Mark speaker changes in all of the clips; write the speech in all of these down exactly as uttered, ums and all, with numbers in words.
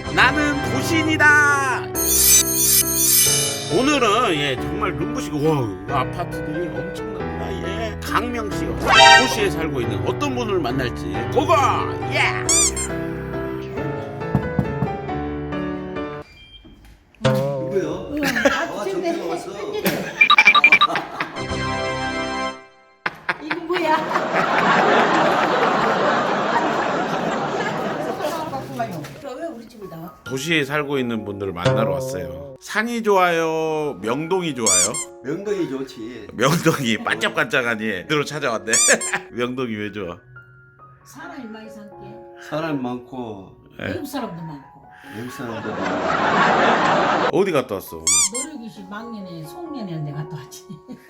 Speaker 1: 나는 도시인이다. 오늘은 예 정말 눈부시고 와 아파트들이 엄청납니다. 예 강명시요 도시에 살고 있는 어떤 분을 만날지 고고 예.
Speaker 2: 누구요? 아, 정말 왔어.
Speaker 3: 이거 뭐야? 왜 우리 집을 나와?
Speaker 1: 도시에 살고 있는 분들을 만나러 왔어요. 산이 좋아요? 명동이 좋아요?
Speaker 2: 명동이 좋지.
Speaker 1: 명동이 반짝반짝하니 들어 찾아왔네. 명동이 왜 좋아?
Speaker 3: 사람이 많이 살게.
Speaker 2: 사람 많고
Speaker 1: 네.
Speaker 3: 외국 사람도 많고.
Speaker 2: 외국 사람들 많고.
Speaker 1: 어디 갔다 왔어?
Speaker 3: 노력이시 막년에 송년회인데 갔다 왔지.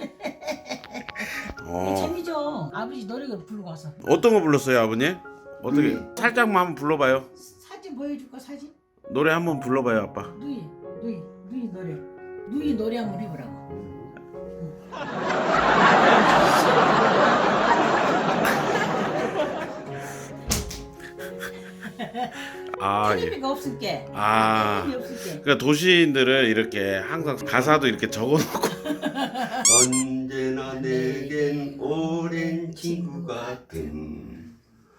Speaker 1: 어.
Speaker 3: 재미죠. 아버지 노력을 부르고 와서.
Speaker 1: 어떤 거 불렀어요 아버님? 어떻게
Speaker 2: 음.
Speaker 1: 살짝만 한번 불러봐요.
Speaker 3: 사진 보여줄까 사진?
Speaker 1: 노래 한번 불러봐요 아빠.
Speaker 3: 누이 누이 누이 노래. 누이 노래 한번 해보라고.
Speaker 1: 아 예.
Speaker 3: 텔레비가 없을게.
Speaker 1: 아.
Speaker 3: 텔레비 없을게.
Speaker 1: 그러니까 도시인들은 이렇게 항상 가사도 이렇게 적어놓고
Speaker 2: 언제나 내겐 오랜 친구 같은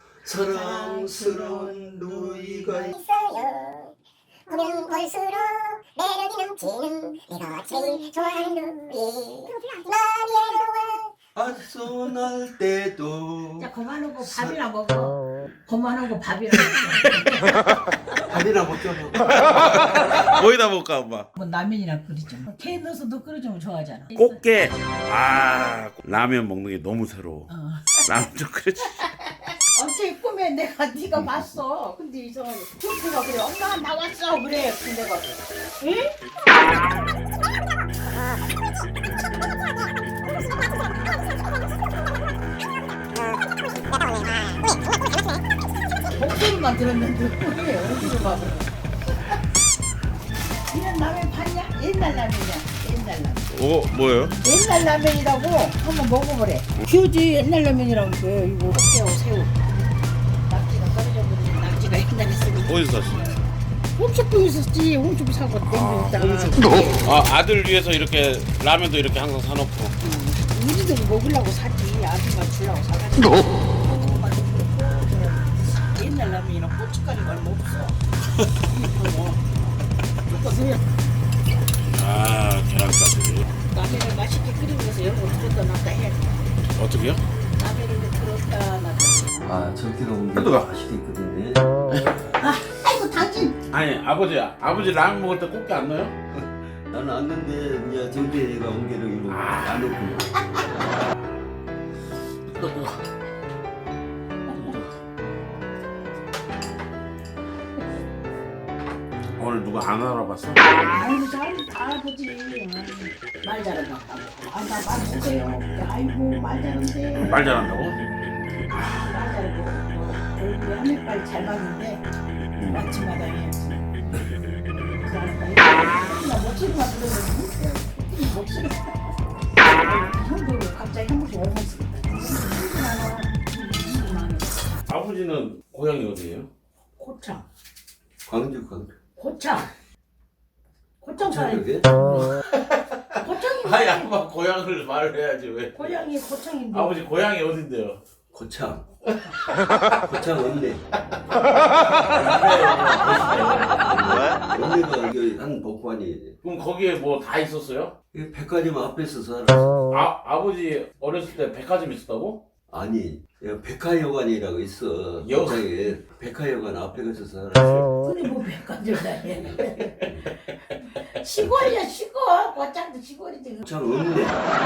Speaker 2: 사랑스러운 누이가 있-
Speaker 4: 있어요. 보면 볼수록 매력이 넘치는 내가 제일 좋아하는 누이 많이 해로워.
Speaker 2: 아소날 때도
Speaker 3: 자 그만하고 밥이나 먹어. 그만하고 밥이나 먹어.
Speaker 2: 밥이나 먹자.
Speaker 1: 거기다 볼까 엄마.
Speaker 3: 뭐 라면이나 끓이죠. 케 넣어서 너 끓여주면 좋아하잖아.
Speaker 1: 꽃게. 아 라면 먹는 게 너무 새로워.
Speaker 3: 어.
Speaker 1: 라면 좀 끓여주.
Speaker 3: 어째 꿈에 내가 네가 봤어. 근데 이상하게 쭈꾸가 그래. 엄마 나왔어 그래. 근데 가 응? 목소리만 들었는데 왜 어디로 가고? 이런 라면 봤냐? 옛날 라면이야. 옛날 라면.
Speaker 1: 오 뭐예요?
Speaker 3: 옛날 라면이라고 한번 먹어보래. 휴지 옛날 라면이라고 그래요. 이거 새우 새우. 낙지가 떨어져 버리는 낙지가 옛날에 쓰니.
Speaker 1: 어디서 샀어?
Speaker 3: 홈쇼핑 있었지. 홈쇼핑 사고 땡기다가.
Speaker 1: 아 아들 위해서 이렇게 라면도 이렇게 항상 사놓고.
Speaker 3: 우리들이 먹으려고 샀지. 아줌마 주려고 사가지고. 고구마도 그렇고 그냥 옛날 라면이랑 고춧가루가 얼마 없어. 이거 이거 그냥
Speaker 1: 아 계란까지.
Speaker 3: 라면을 맛있게 끓이기 위해서 이런 거 들었다 놨다 해야 돼.
Speaker 1: 어떻게요?
Speaker 3: 라면을 들었다 놨다.
Speaker 2: 아 저기가 오는 게
Speaker 1: 해도가.
Speaker 2: 맛있게 있거든요.
Speaker 3: 아, 아이고 당신.
Speaker 1: 아니 아버지 아버지 라면 먹을 때 꽃게 안 넣어요?
Speaker 2: 나는 왔는데 이제 정대가 온 게로 이거 안 놓고.
Speaker 1: 오늘 누가 안 알아봤어?
Speaker 3: 아이고 잘 알아보지. 말 잘한다. 아나 말 못해요. 아이고 말 잘한대.
Speaker 1: 말 잘한다고?
Speaker 3: 말 잘한대. 얼굴에 하늘빨 잘 맞는데 아침마다 해. 나 목소리만 들으면 이 목소리. 형도 왜 갑자기 한 번씩 얼마 쓰
Speaker 1: 아버지는 고향이 어디예요?
Speaker 3: 고창.
Speaker 2: 광주 광주.
Speaker 3: 고창. 고창 사람.
Speaker 2: 저녁에
Speaker 3: 고창이.
Speaker 1: 아니 아빠 고향을 말을 해야지 왜?
Speaker 3: 고향이 고창인데.
Speaker 1: 아버지 고향이 어딘데요?
Speaker 2: 고창. 고창 언니. 언니가 여기 한 복관이
Speaker 1: 그럼 거기에 뭐 다 있었어요?
Speaker 2: 이 백화점 앞에서 살았어.
Speaker 1: 아 아버지 어렸을 때 백화점 있었다고?
Speaker 2: 아니 여기 백화여관이라고 있어.
Speaker 1: 여-
Speaker 2: 고창에 백화여관 앞에 가서 살았어.
Speaker 3: 그래 뭐 백화점 다해. 시골이야 시골. 고창도 시골이지.
Speaker 2: 고창 언니.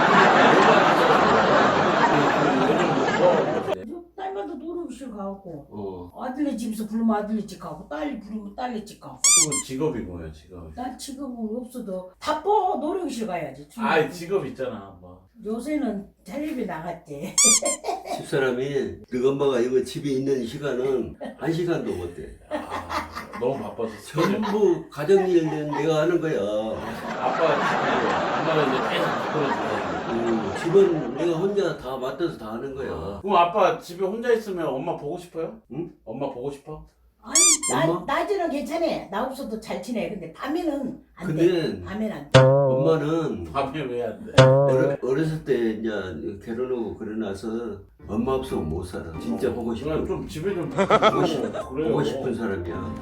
Speaker 3: 딸마다 놀이실 가고
Speaker 2: 어.
Speaker 3: 아들네 집에서 부르면 아들네 집 가고 딸이 부르면 딸네 집 가고.
Speaker 1: 직업이 뭐예요 직업?
Speaker 3: 난 지금은 없어도 바빠. 놀이실 가야지.
Speaker 1: 아 직업 있잖아 뭐.
Speaker 3: 요새는 텔레비 나갔지.
Speaker 2: 집사람이 너 엄마가 이거 집에 있는 시간은 한 시간도 못 돼.
Speaker 1: 아, 너무 바빠서
Speaker 2: 전부 가정일은 내가 하는 거야.
Speaker 1: 아빠 지금 엄마는 이제 계속 바꿔주고.
Speaker 2: 음, 집은 내가 혼자 다 맡아서 다 하는 거야.
Speaker 1: 그럼 아빠 집에 혼자 있으면 엄마 보고 싶어요?
Speaker 2: 응?
Speaker 1: 엄마 보고 싶어?
Speaker 3: 아니 나,
Speaker 2: 엄마?
Speaker 3: 낮에는 괜찮아. 나 없어도 잘 지내. 근데 밤에는 안
Speaker 2: 근데
Speaker 3: 돼. 밤에는 안 돼.
Speaker 2: 엄마는
Speaker 1: 밤에 왜 안 돼?
Speaker 2: 어려, 어렸을 때 이제 결혼하고 그러나서 엄마 없으면 못 살아. 진짜 보고
Speaker 1: 그냥
Speaker 2: 싶은
Speaker 1: 좀 집에 좀
Speaker 2: 보고, 싶,
Speaker 1: 그래요.
Speaker 2: 보고 싶은 사람이야.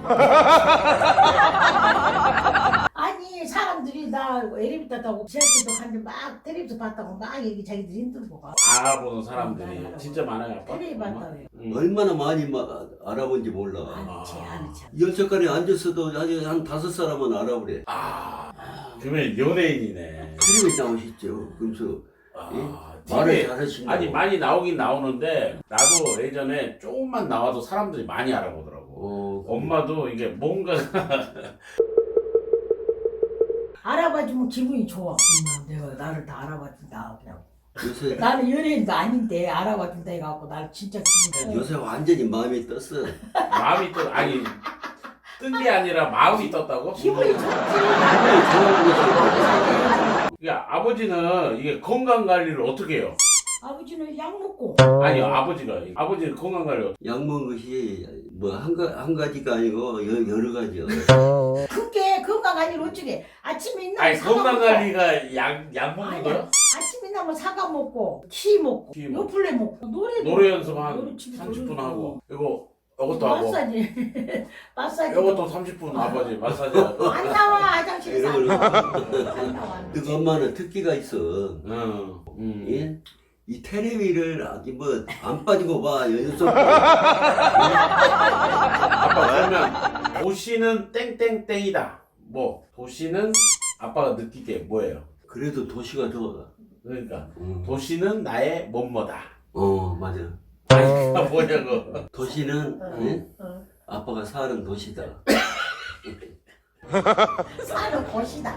Speaker 3: 아니 사람들이 나 엘리베이터 타고 지하철도 갔는데 막 텔레비전 봤다고 막 얘기 자기들이 힘들고 가.
Speaker 1: 알아보는 사람들이 진짜 많아요. 아빠.
Speaker 3: 텔레비 봤다고 해.
Speaker 1: 응.
Speaker 2: 얼마나 많이 마, 알아본지 몰라.
Speaker 3: 아니지 아니지.
Speaker 2: 열차간에 앉았어도 아주 한 다섯 사람은 알아보래.
Speaker 1: 아, 그러면 연예인이네.
Speaker 2: 텔레비 나오시죠. 그러면서
Speaker 1: 아,
Speaker 2: 말을
Speaker 1: 티비에
Speaker 2: 잘하신다고.
Speaker 1: 아니 많이 나오긴 나오는데 나도 예전에 조금만 나와도 사람들이 많이 알아보더라고.
Speaker 2: 어,
Speaker 1: 엄마도 이게 뭔가
Speaker 3: 알아봐주면 기분이 좋아. 음, 내가 나를 다 알아봐준다. 그냥.
Speaker 2: 요새
Speaker 3: 나는 연예인도 아닌데 알아봐준다 해갖고 나를 진짜 기분 좋아.
Speaker 2: 요새 완전히 마음이 떴어.
Speaker 1: 마음이 또 아니 뜬 게 아니라 마음이 떴다고?
Speaker 3: 기분이 좋지.
Speaker 2: 좋아하는 것이
Speaker 1: 그러니까 아버지는 이게 건강 관리를 어떻게 해요?
Speaker 3: 아버지는 약 먹고.
Speaker 1: 아니요 아버지가 아버지는 건강 관리
Speaker 2: 약 먹은 것이 뭐 한 한 가지가 아니고 여, 여러 가지요.
Speaker 3: 그게 건강 관리를 어쩌게. 아침에 있나
Speaker 1: 아니
Speaker 3: 사과
Speaker 1: 건강
Speaker 3: 먹고.
Speaker 1: 관리가 약 약 먹는
Speaker 3: 아니야.
Speaker 1: 거요?
Speaker 3: 아침에 나면 사과 먹고 키 먹고
Speaker 1: 키 먹고.
Speaker 3: 요플레 먹고 노래
Speaker 1: 노래 연습 한
Speaker 3: 노래 집에
Speaker 1: 삼십 분
Speaker 3: 노래
Speaker 1: 하고
Speaker 3: 부르고.
Speaker 1: 이거 이것도 하고
Speaker 3: 마사지 마사지
Speaker 1: 이것도 삼십 분 아버지 마사지 하고
Speaker 3: 안 나와 화장실에서 안
Speaker 2: 이러고
Speaker 3: 나와 안 나와 안
Speaker 2: 그
Speaker 3: 나와.
Speaker 2: 엄마는 특기가 있어.
Speaker 1: 응. 음.
Speaker 2: 예? 이 텔레비를 아주 뭐 안 빠지고 봐. 연속.
Speaker 1: 아빠 그러면 도시는 땡땡땡이다. 뭐 도시는 아빠가 느끼기에 뭐예요?
Speaker 2: 그래도 도시가 좋아.
Speaker 1: 그러니까
Speaker 2: 음.
Speaker 1: 도시는 나의 뭐뭐다.
Speaker 2: 어 맞아.
Speaker 1: 아니 그가 뭐냐고.
Speaker 2: 도시는
Speaker 3: 응.
Speaker 2: 예?
Speaker 3: 응.
Speaker 2: 아빠가 사는 도시다.
Speaker 3: 사는 곳이다.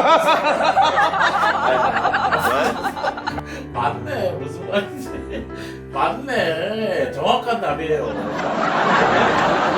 Speaker 1: 맞네 무슨 말인지 맞네 정확한 답이에요.